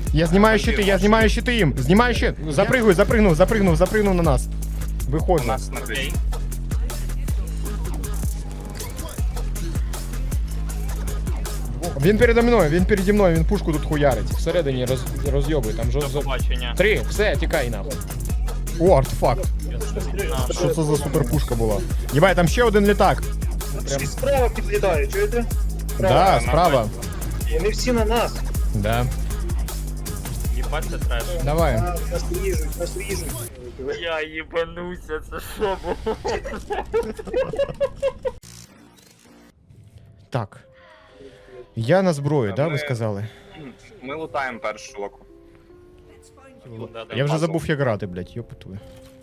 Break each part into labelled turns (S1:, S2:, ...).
S1: Я знімаю щити їм. Знімаю щит. Запригнув на нас.
S2: У
S1: Виходжу.
S2: нас на
S3: Окей.
S1: Він передо мною, він пушку тут хуярить. Всередині розйобує, там
S3: До
S1: жорстко.
S3: побачення.
S1: 3, все, тікай нахуй. О, артефакт. Що це за суперпушка була? Єбай, там ще один літак.
S4: Прям... Справа підлітає, чуєте?
S1: Да, справа.
S4: Вони всі на нас.
S1: Да.
S3: Їбать, це треш.
S1: Давай.
S4: Нас ріжуть.
S3: Я їбануся, це що було?
S1: Так. Я на зброю, да,
S2: Ми-
S1: ви сказали?
S2: Ми лутаємо першу локу.
S1: Я вже забув як грати, блядь, йопутую.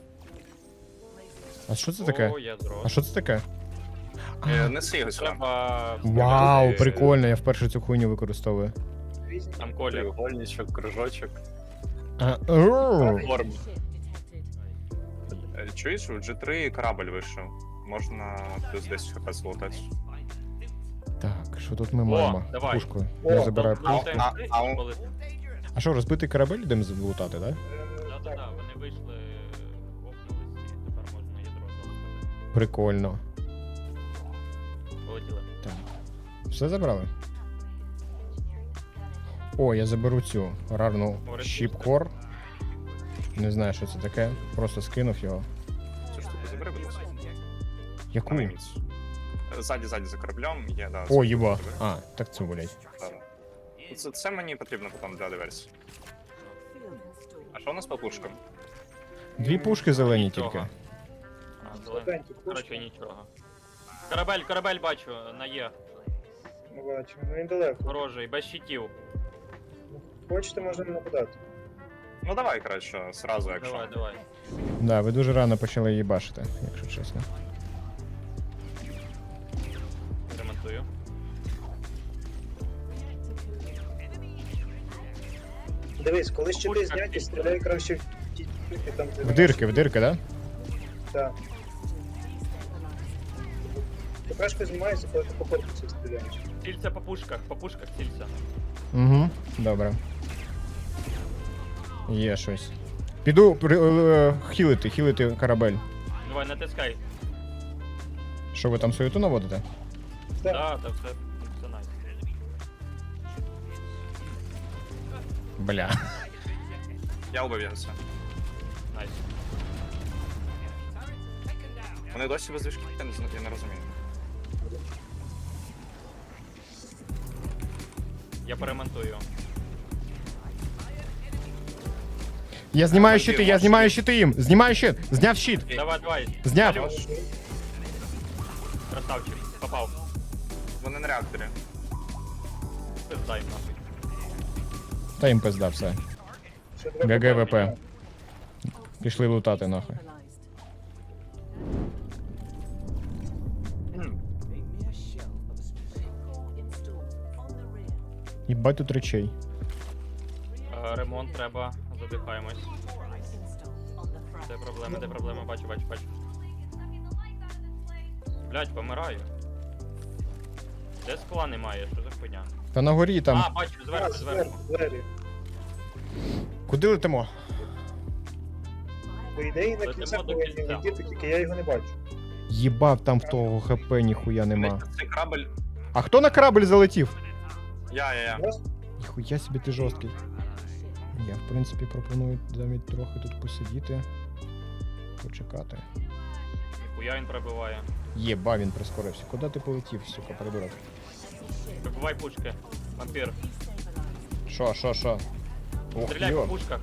S1: А що це таке?
S3: О, ядро.
S1: А що це таке?
S2: Неси його сюди.
S3: Треба...
S1: Вау, прикольно, я вперше цю хуйню використовую.
S3: Там колір.
S2: Треугольничок, кружочок.
S1: Оу.
S2: Форм. Чуєш, у G3 корабль вийшов. Можна плюс 10 хп злутати.
S1: Так, що тут ми маємо?
S3: давай.
S1: Пушку. Я забираю
S2: а-
S1: пушку.
S2: а-
S1: А що, розбитий корабель йдемо залутати, да?
S3: Да, вони вийшли, офнулись, і тепер можна ядро залутати.
S1: Прикольно.
S3: Полетіли.
S1: Так. Все забрали? О, я заберу цю рарну щіпкор. Не знаю, що це таке. Просто скинув його.
S2: Цю штуку забери, будь ласка.
S1: Яку?
S2: На міць. Ззаді за кораблем є, да.
S1: О, єба. А, так це, блядь.
S2: Це мені потрібно потім для диверсії. А що у нас по пушкам?
S1: Дві пушки зелені
S3: Нічого.
S1: тільки.
S3: А, зелень. Короче, нічого. Корабель бачу, на Є.
S4: Ми бачимо, ну він далеко.
S3: Ворожий, без щитів.
S4: Хочете, можна нападати.
S2: Ну давай, краще, сразу, якщо.
S3: Давай.
S1: Да, ви дуже рано почали її бачити, якщо чесно.
S3: Ремонтую.
S4: Дивись, коли щити зняті, стріляй краще в ті штуки там, де...
S1: В дирки, да?
S4: Так. ТПшка знімається, коли ти по корпусу стріляєш.
S3: Цільця по пушках цільця.
S1: Угу, добре. Є щось. Піду хілити корабель.
S3: Давай, натискай.
S1: Що ви там суєту наводите?
S3: Да, все найс.
S1: Бля.
S2: Я убився.
S3: Найс.
S2: Вони досі без движки, я не розумію.
S3: Я поремонтую.
S1: Я знімаю щити їм. Знімаю щит. Зняв щит.
S3: Давай.
S1: Зняв.
S3: Алло. Красавчик, попав.
S2: Вони на реакторі.
S3: Пиздай нахуй.
S1: Та їм пизда все.
S4: Що треба
S1: ГГВП. Пішли лутати нахуй. Їбать тут речей.
S3: Ремонт треба, задихаємось. Де проблеми, бачу. Блять, помираю. Де скла немає, що за хуйня?
S1: Та на горі там.
S3: А, бачу, зверху.
S4: двері.
S1: Куди летимо?
S4: По ідеї на
S3: Летимо
S4: кінця
S3: до
S4: повинні
S3: кінця.
S4: летіти, тільки я його не бачу.
S1: Їбав там в того ХП ніхуя нема.
S2: Цей корабль.
S1: А хто на корабль залетів?
S2: Я.
S4: Раз,
S1: Ніхуя собі ти жорсткий. Я, в принципі, пропоную навіть трохи тут посидіти. Почекати.
S3: Ніхуя він пробиває.
S1: Єба, він прискорився. Куди ти полетів, сука, придурок?
S3: Вибивай пушки. Вампір.
S1: Шо? Ох,
S3: Стріляй по
S1: йо.
S3: пушках.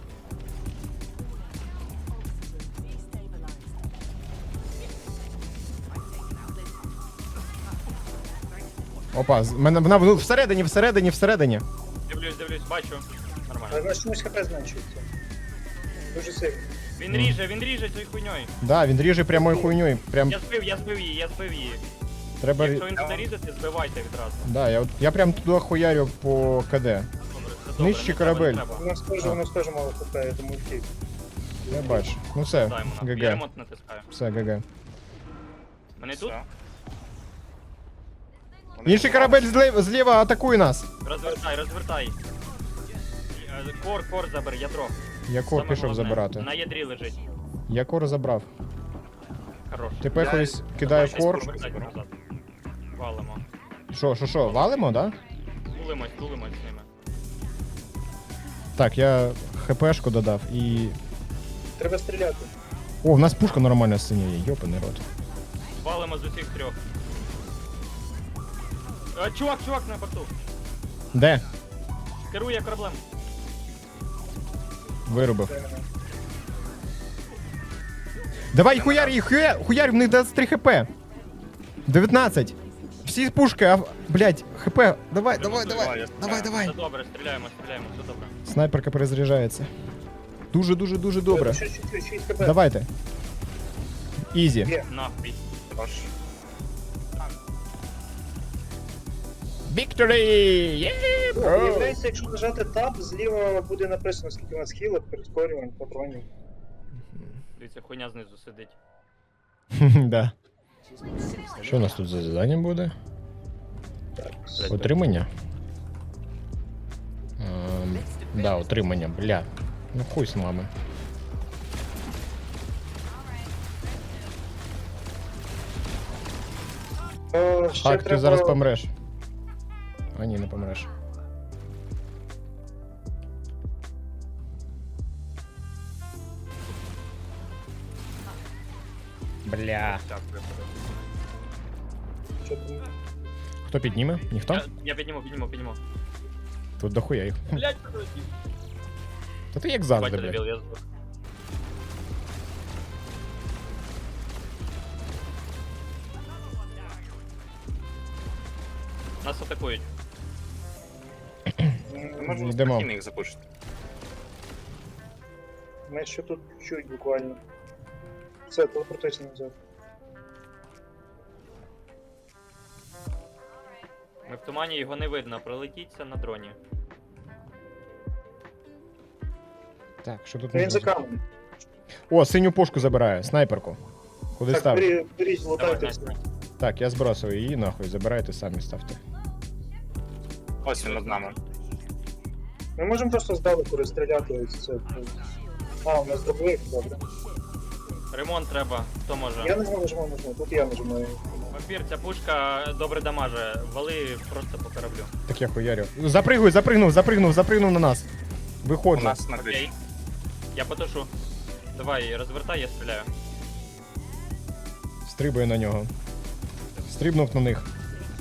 S1: Опа, вона всередині.
S3: Дивлюсь, бачу.
S4: але
S3: Нормально.
S4: на чомусь ХП зменшується. Дуже сильно.
S3: Він ріже цією хуйньою.
S1: Да, він ріже прямою хуйньою. Прям
S3: Я збив її.
S1: треба.
S3: Якщо він буде різати, збивайте відразу.
S1: Да, я прям туди хуярю по КД.
S3: Добре, це добре.
S1: Нижче
S3: не треба,
S1: корабель.
S3: не треба.
S4: У нас теж мало ХП, я тому втік.
S1: Я бачу. Ну все,
S3: Даємо нам. Я
S1: ГГ.
S3: ремонт натискаю.
S1: Все, ГГ.
S3: Мене тут?
S2: Все.
S1: Інший корабель зліва атакує нас.
S3: Розвертай. Кор забери, ядро.
S1: Я кор
S3: Саме
S1: пішов
S3: головне.
S1: забирати.
S3: На ядрі лежить.
S1: Я кор забрав.
S3: Хорош.
S1: Тепер хтось кидає
S2: щас
S1: кор.
S2: пушку.
S3: Назад. Валимо.
S1: Що, валимо, да?
S3: Тулимось з ними.
S1: Так, я хпшку додав і.
S4: Треба стріляти.
S1: О, в нас пушка нормальна синя є, йопаний рот.
S3: Валимо з усіх трьох. Чувак на борту.
S1: Де?
S3: Керує кораблем.
S1: Вирубив. Давай, хуяр їх, хуяр, в них 23 хп. 19. Всі пушки, а... Блять, хп. Давай.
S3: Все добре, стріляємо, все добре.
S1: Снайперка перезаряджається. Дуже добре.
S4: Ще чуть-чуть, 6 хп.
S1: Давайте. Ізі.
S4: Є.
S3: Нахуй.
S2: Хорош.
S1: Victory!
S4: Виявляється, якщо нажати Tab, зліва буде написано, скільки у нас хілок, прискорювань, патронів.
S3: Дивіться, хуйня знизу сидить.
S1: Да. Що у нас тут за завдання буде?
S3: Блядь,
S1: Отримання? Да, отримання, бля. Ну хуй з мами.
S4: Ще
S1: Хак, ти
S4: треба...
S1: зараз помреш. А ні, не помреш. Бля.
S3: Дякую.
S4: Що там?
S1: Хто підніме? Ніхто?
S3: Я підніму.
S1: Тут дохуя їх.
S3: Блять, подожди.
S1: Та ти як завжди,
S3: Бачу,
S1: блядь.
S3: дебіл, я здох. Нас атакують.
S2: Можна
S1: Йдемо.
S2: спокійно їх запушити.
S4: Ми ще тут чуть буквально. Все, телепортуйся назад.
S3: Ми в тумані його не видно, пролетіться на дроні.
S1: Так, що тут
S4: Він
S1: можна
S4: за каменем.
S1: О, синю пушку забираю, снайперку. Куди
S4: Так,
S1: ставити?
S4: беріть,
S3: Давай,
S4: лутайте.
S3: Настя.
S1: Так, я збросив її, нахуй, забирайте, самі ставте.
S2: Ось він над нами.
S4: Ми можемо просто здалеку розстріляти ось це. А, у нас дробовик, добре.
S3: Ремонт треба, хто може.
S4: Я нажму, тут я нажимаю.
S3: Вампір, ця пушка добре дамаже. Вали просто по кораблю.
S1: Так я хуярю. Запригнув на нас.
S2: У
S1: Виходжу.
S2: нас на
S3: Окей.
S2: криші.
S3: Я потушу. Давай, розвертай, я стріляю.
S1: Стрибаю на нього. Стрибнув на них.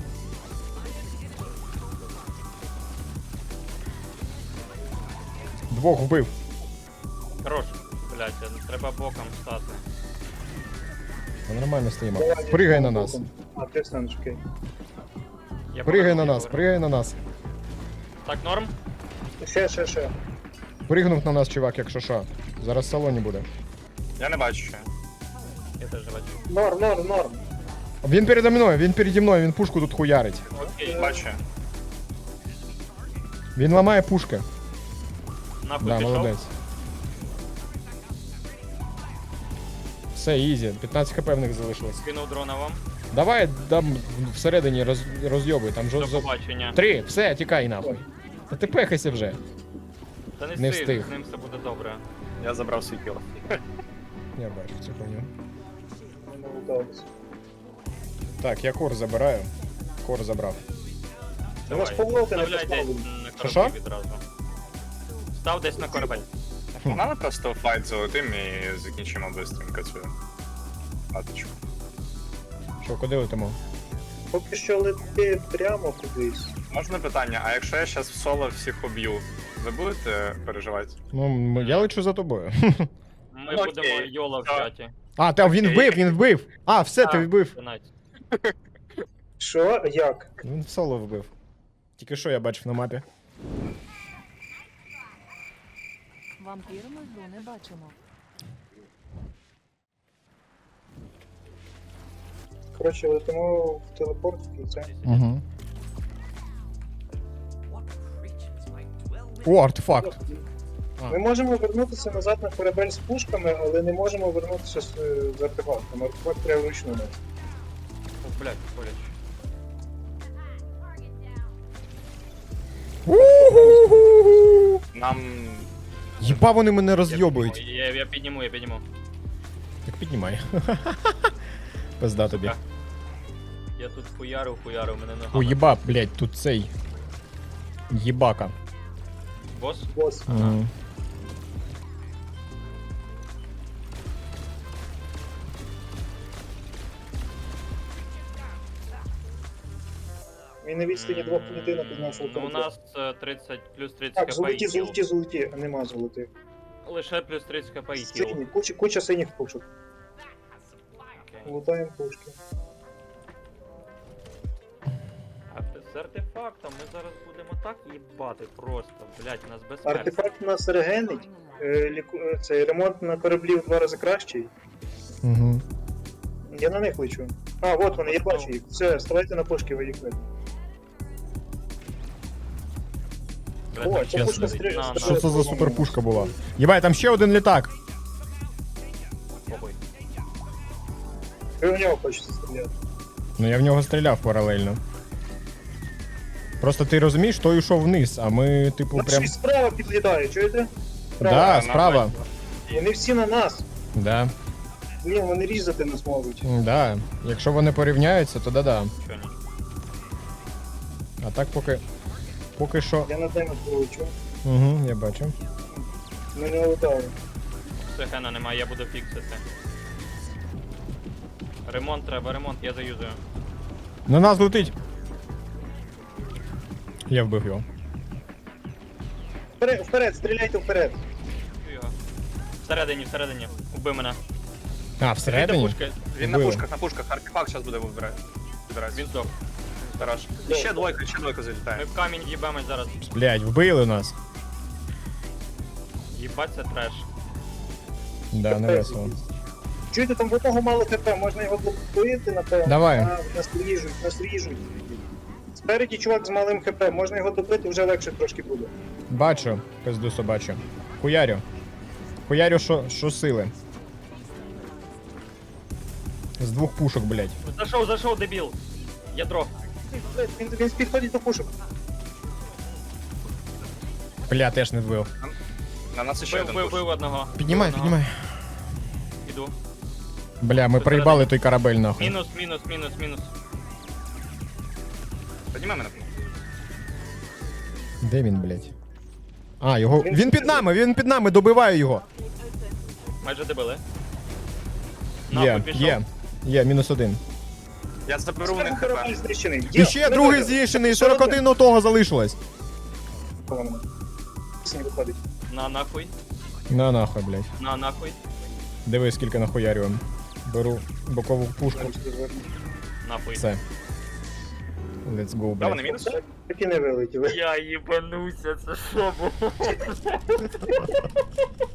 S1: Двох вбив.
S3: Хорош. Блять, треба боком стати.
S1: Та нормально стоїмо.
S4: Давай,
S1: Пригай на
S4: боком.
S1: нас.
S4: А, ти станеш, окей.
S3: Я
S1: Пригай на
S3: поверну,
S1: нас,
S3: я
S1: пригай на нас.
S3: поверну. Так, норм?
S4: Ще.
S1: Пригнув на нас, чувак, якщо що. Зараз в салоні буде.
S2: Я не бачу ще.
S3: Я теж бачу.
S4: Норм.
S1: Він переді мною, він пушку тут хуярить.
S3: Окей,
S2: Бачу.
S1: Він ламає пушки.
S3: нахуй
S1: Да,
S3: пішов.
S1: молодець. Все, ізі. 15 хп в них залишилось.
S3: Скинув дрона вам.
S1: Давай там всередині розйобуй, там
S3: До
S1: жо...
S3: побачення.
S1: 3, все, тікай нахуй. Та ти пехайся вже.
S3: Та не
S1: Не
S3: встиг,
S1: встиг.
S3: з ним все буде добре.
S2: Я забрав свій кіл.
S1: Я бачу цю хуйню.
S4: Ми луталися.
S1: Так, я кор забираю. Кор забрав.
S4: У нас
S3: Давай,
S4: повороти не
S3: вставляй десь
S4: поставлені.
S3: на
S1: Що?
S3: кораблі відразу. Став десь на корабель.
S2: Погнали просто файт золотим і закінчимо быстренько цю аточку.
S1: Що, куди летимо?
S4: Поки що лети прямо кудись.
S2: Можна питання, а якщо я зараз в соло всіх уб'ю, ви будете переживати?
S1: Ну, я лечу за тобою.
S3: Ми
S2: Окей.
S3: будемо йола в
S2: Так.
S3: чаті.
S1: А, та він вбив! А, все, ти вбив.
S3: Донать.
S4: Що? Як?
S1: Він в соло вбив. Тільки що я бачив на мапі.
S5: Вампір ми гру не бачимо.
S4: Коротше, летимо в телепорт в кінці.
S1: Угу. О, артефакт. А.
S4: Ми можемо вернутися назад на корабель з пушками, але не можемо вернутися з артефактом. Артефакт треба вручну нести.
S3: О, блядь, боляче.
S1: У-ху-ху-ху.
S2: Нам.
S1: Єба вони мене розйобують.
S3: Я підніму.
S1: Так піднімай. Пизда тобі.
S3: Сука. Я тут хуярив, мене ногами.
S1: О, єба, блядь, тут цей. Єбака.
S3: Бос?
S4: Бос.
S1: Мгм.
S4: Він на відстані 2 клітинок від нашого
S3: Ну, у
S4: корабля.
S3: нас 30, плюс 30
S4: Так,
S3: кп
S4: золоті,
S3: і хіл.
S4: золоті, а нема золотих.
S3: Лише плюс 30 кп і хіл.
S4: Сині, куча синіх пушок.
S3: Окей.
S4: Лутаємо пушки.
S3: З артефактом ми зараз будемо так їбати просто, блять, нас без смерті.
S4: Артефакт нас регенить. Цей ремонт на кораблі в 2 рази кращий.
S1: Угу.
S4: Я на них лечу. А, от вони, я бачу їх. Все, ставайте на пушки, ви їх видите. О, ця пушка стріляє.
S1: Що це за суперпушка була? Єбай, там ще один літак.
S3: Похуй.
S4: Ви в нього хочете стріляти.
S1: Ну я в нього стріляв паралельно. Просто ти розумієш, той йшов вниз, а ми, типу,
S4: Нас
S1: прям.
S4: щось справа підлітає, чуєте?
S1: Да, справа.
S4: Вони всі на нас.
S1: Да.
S4: Блін, вони різати нас можуть.
S1: Да. Якщо вони порівняються, то да-да.
S3: Що ні?
S1: А так поки. Поки що.
S4: Я на тему полечу.
S1: Угу, я бачу.
S4: Ми не лутали.
S3: Все, хена немає, я буду фіксити. Ремонт треба, я заюзую.
S1: На нас летить. Я вбив його.
S4: Вперед, стріляйте вперед.
S3: Чую його. Всередині. Убий мене.
S1: А, всередині?
S3: Пушки.
S2: Він на
S1: Вбили.
S2: пушках, артефакт зараз буде вибирати.
S3: Він здох.
S2: Хорош. І ще двойка
S3: Ми
S2: залітає.
S3: в камінь їбемось зараз.
S1: Блять, вбили нас.
S3: Їбать, це треш.
S1: Да, не весело.
S4: Чуєте, там в одного мало хп, можна його блокувати, напевно.
S1: Давай.
S4: А, нас ріжуть. Спереді чувак з малим хп, можна його добити, вже легше трошки буде.
S1: Бачу, пизду собачу. Хуярю. Хуярю, що сили. З 2 пушок, блять.
S3: Зайшов, дебіл. Ядро.
S4: Він підходить до пушок.
S1: Бля, теж не вбив.
S2: На нас ще один пуш.
S3: Вбив одного.
S1: Піднімай,
S3: Одного.
S1: піднімай.
S3: Іду.
S1: Бля, ми проїбали той корабель нахуй.
S3: Мінус.
S2: Піднімай мене.
S1: Де він, блять? А, його. Він під нами, добиваю його.
S3: Майже добили.
S1: Є, -1.
S2: Я заберу в них
S4: Корабель
S2: хп.
S4: знищений.
S1: І ще другий з'їшений, 41 у того залишилось.
S4: Не виходить.
S3: На нахуй.
S1: На нахуй, блять.
S3: На нахуй.
S1: Диви, скільки нахуярюємо. Беру бокову пушку.
S3: Нахуй.
S1: Все. Let's go,
S2: Да, вони
S1: блять.
S2: мінус?
S4: Так і не вилетіли.
S3: Я їбануся, це що було?